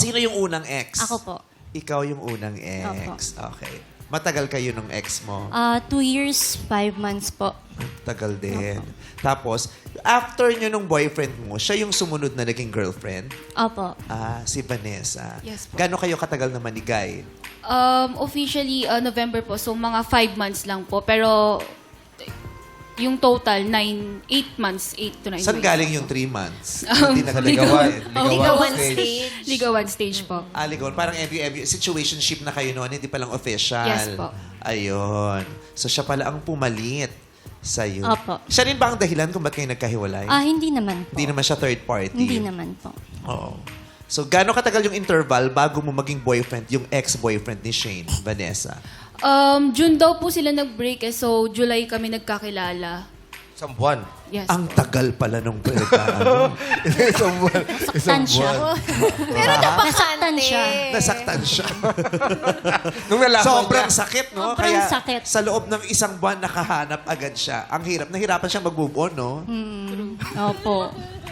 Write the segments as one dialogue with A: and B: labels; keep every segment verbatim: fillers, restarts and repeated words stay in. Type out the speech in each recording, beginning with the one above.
A: Sino yung unang ex?
B: Ako po.
A: Ikaw yung unang ex. Okay. Matagal kayo nung ex mo?
B: Ah, two years, five months po.
A: Tagal din. Tapos, after nyo nung boyfriend mo, siya yung sumunod na naging girlfriend?
B: Opo.
A: Ah, si Vanessa.
C: Yes po.
A: Gano'n kayo katagal na manigay?
C: Um, officially, uh, November po. So, mga five months lang po. Pero, yung total, nine, eight months, eight to nine
A: Saan
C: months.
A: galing yung three months?
C: Um,
A: Hindi na
D: Ligawan.
C: Oh,
D: Ligawan stage.
C: Ligawan stage po.
A: Ah, ligawan. Parang every, every situationship na kayo noon, hindi pa lang official.
C: Yes po.
A: Ayun. So, siya pala ang pumalit sa'yo.
B: Opo.
A: Siya rin ba ang dahilan kung ba't kayo nagkahiwalay?
B: Ah, hindi naman po.
A: Hindi naman siya third party.
B: Hindi naman po.
A: Oo. So, gaano katagal yung interval bago mo maging boyfriend, yung ex-boyfriend ni Shane, Vanessa?
C: Um, June daw po sila nag-break eh. So, July kami nagkakilala.
D: Isang buwan.
C: Yes.
A: Ang tagal pala nung ano.
D: Isang buwan.
B: Nasaktan siya.
E: Pero
B: Nasaktan siya.
A: Nasaktan siya.
D: Nung nalaman
A: Sobrang
D: niya.
A: sakit, no?
B: Sobrang
A: Kaya
B: sakit.
A: sa loob ng isang buwan, nakahanap agad siya. Ang hirap. Nahirapan siyang mag-move on, no?
B: Opo.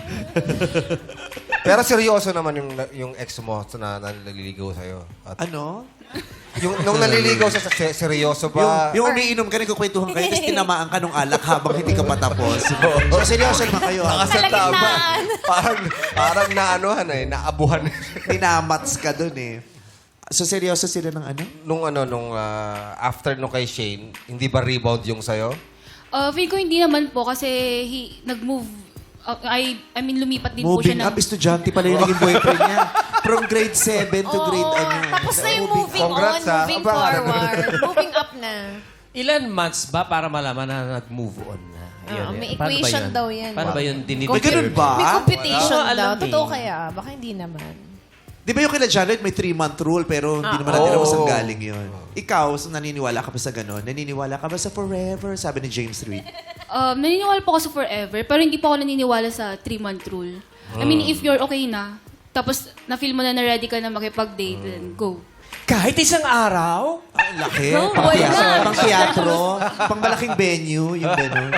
D: Pero seryoso naman yung yung ex mo na naliligaw sa'yo. At
A: Ano?
D: yung, nung naliligaw sa se- seryoso
A: Yung,
D: ba?
A: yung umiinom ka, nagkukwentuhan kayo, tapos tinamaan ka nung alak habang hindi ka patapos. So, seryoso naman kayo. ah.
D: Nakasatama. Parang, parang naanuhan eh, naabuhan.
A: Tinamats ka dun eh. So, seryoso sila ng ano?
D: nung ano, nung ah, after nung kay Shane, hindi ba rebound yung sa'yo?
C: Uh, feel ko hindi naman po kasi he, nag-move. Uh, I, I mean, lumipat din po
A: Moving
C: siya ng...
A: up, estudyante pala yung naging boyfriend niya. From grade seven to grade ano.
E: Tapos na yung moving
D: Congrats,
E: on,
D: ah.
E: moving
D: Aba.
E: forward. Moving up na.
F: Ilan months ba para malaman na nag-move on na?
E: Ah,
F: eh.
E: may
F: Paano ba
E: equation
F: yun?
E: daw yan.
F: Paano ba yun?
A: May ganun ba?
E: May competition
F: Wala.
E: daw.
F: Alam
E: Totoo
F: eh.
E: kaya? Baka hindi naman.
A: Di ba yung kila Janet may three-month rule pero hindi
E: Ah,
A: naman natin alam
D: oo.
A: saan galing yun. Ikaw, so naniniwala ka ba sa gano'n? Naniniwala ka ba sa forever? Sabi ni James Reid.
C: Um, naniniwala po ako sa forever, pero hindi po ako naniniwala sa three-month rule. I mean, if you're okay na, tapos na-feel mo na na-ready ka na makipag-date, then go.
F: Kahit isang araw?
A: Ang laki.
B: No,
A: pang,
B: why
A: teatro,
B: not?
A: pang teatro, pang malaking venue, yung gano'n.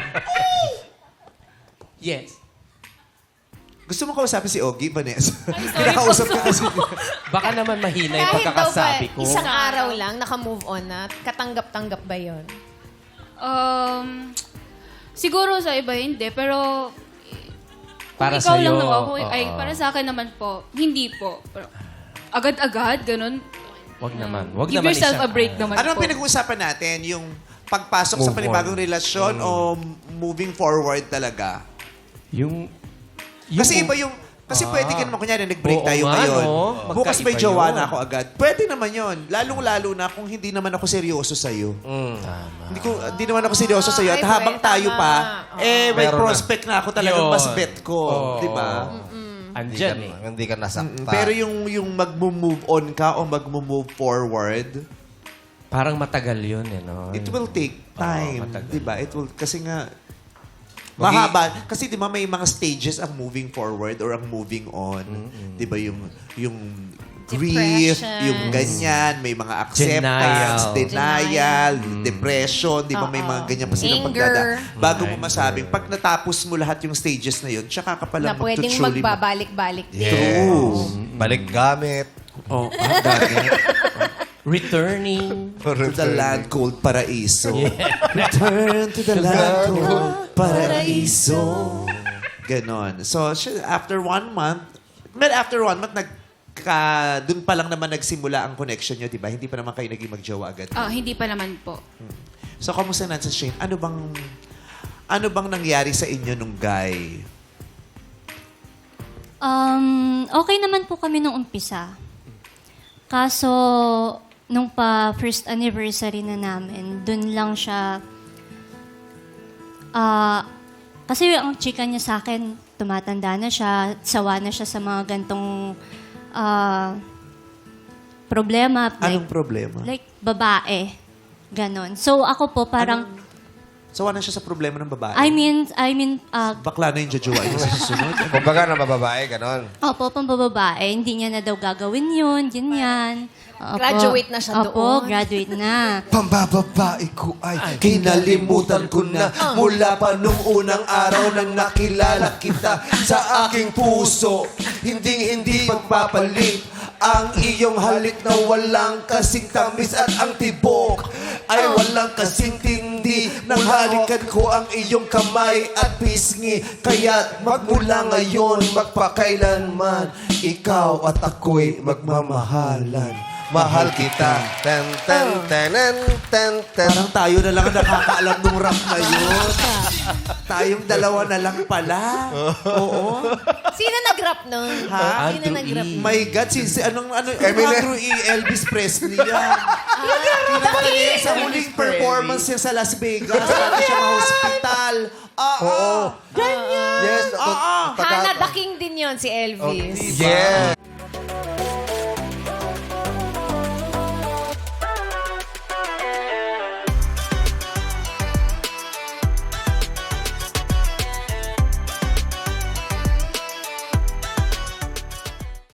F: Yes.
A: Gusto mo kausapin si Ogie, Vanessa? Kinakausap ka kasi.
F: Baka naman mahina yung
E: Kahit daw ba,
F: pagkakasabi ko.
E: isang araw lang, naka-move on na, katanggap-tanggap ba yun?
C: Um, siguro sa iba hindi, pero kung
F: Para
C: ikaw
F: sa'yo,
C: lang naman, kung,
F: oo.
C: ay, para sa akin naman po, hindi po. Pero, agad-agad, ganun.
F: Wag naman. Wag
C: Give
F: naman
C: yourself
F: isang
C: a break
F: araw.
C: naman
A: Ano ang
C: po.
A: pinag-uusapan natin? Yung pagpasok sa
D: Move
A: panibagong
D: on.
A: relasyon o moving forward talaga?
F: Yung... yung
A: Kasi iba yung... Kasi pwede ka naman, kunyari, nag-break
F: Oo
A: tayo
F: nga,
A: ngayon.
F: no?
A: Bukas may
F: Magkaiba
A: jowa
F: yun.
A: na ako agad. Pwede naman yon. Lalong-lalo na kung hindi naman ako seryoso sa'yo.
D: Mm.
A: Hindi, ko, hindi naman ako seryoso sa'yo. At
E: Ay,
A: habang
E: pwede,
A: tayo
E: tama.
A: pa, eh, may
D: Meron na.
A: prospect na ako talagang
F: Yun.
A: mas bet ko.
F: Oo.
A: Di ba?
D: Hindi ka,
F: Andyan eh.
D: hindi ka nasaktan.
A: Pero yung, yung mag-move on ka o mag-move forward,
F: Parang matagal yun eh, no?
A: it will take time.
F: Oo, matagal.
A: Di ba? It will, kasi nga, mahaba. Kasi di ba may mga stages ang moving forward or ang moving on. Di ba yung, yung grief,
E: Depression.
A: yung ganyan, may mga acceptance, denial,
E: Denial.
A: depression, di ba may mga ganyan pa silang
E: Anger.
A: pagdada. Bago mo masabing, pag natapos mo lahat yung stages na yun, tsaka ka pala
E: Na pwedeng
A: magtutuloy mo.
E: magbabalik-balik din.
A: True.
D: Balik gamit.
A: Oh, ah, dati.
F: Returning.
A: To the land called Paraiso. Return to the land called Paraiso. Ganon. So, siya- after one month, well, after one month, nagka, dun pa lang naman nagsimula ang connection nyo, di ba? Hindi pa naman kayo naging magjowa agad.
C: Ah, hindi pa naman po.
A: So, kamusta na sa Shane? Ano bang, ano bang nangyari sa inyo nung guy?
B: Um, okay naman po kami nung umpisa. Kaso, nung pa first anniversary na namin, dun lang siya, ah, kasi ang chika niya sa akin, tumatanda na siya, sawa na siya sa mga gantong ah, problema.
A: Anong
B: Like,
A: problema?
B: like, babae. Ganon. So, ako po parang,
A: Sawa na siya sa problema ng babae.
B: I mean, I mean, ah,
A: Bakla na yung jojowa niya sa susunod.
D: Kumbaga na mababae, ganon.
B: opo, pambababae, hindi niya na daw gagawin yun, ganyan. Opo.
E: Graduate na siya
B: Opo,
E: doon.
B: graduate na.
D: Pambababae ko ay
A: Kinalimutan ko na mula pa nung unang araw nang nakilala kita sa aking puso. Hinding hindi pagpapalit Ang iyong halik na walang kasing tamis at ang tibok ay walang kasing tindi. Nang halikan ko ang iyong kamay at pisngi. Kaya't magmula ngayon, magpakailanman, ikaw at ako'y magmamahalan. Mahal kita.
D: Ten, ten, tenen, ten, ten.
A: Parang tayo na lang ang nakakaalam ng rap na yun. Tayong dalawa na lang pala. Oo.
E: Sino nag-rap nun?
A: Ha?
E: Sino
F: Andrew
E: nag-rap?
F: E.
A: My God, si, si anong, ano,
D: Eminem.
A: Andrew E. Elvis Presley yan. Kinanta niya sa huling performance niya sa Las Vegas. Para siya ma-hospital. Oo.
D: Yes.
A: Oo.
D: taga-
E: Hana the King din yon si Elvis.
D: Yes.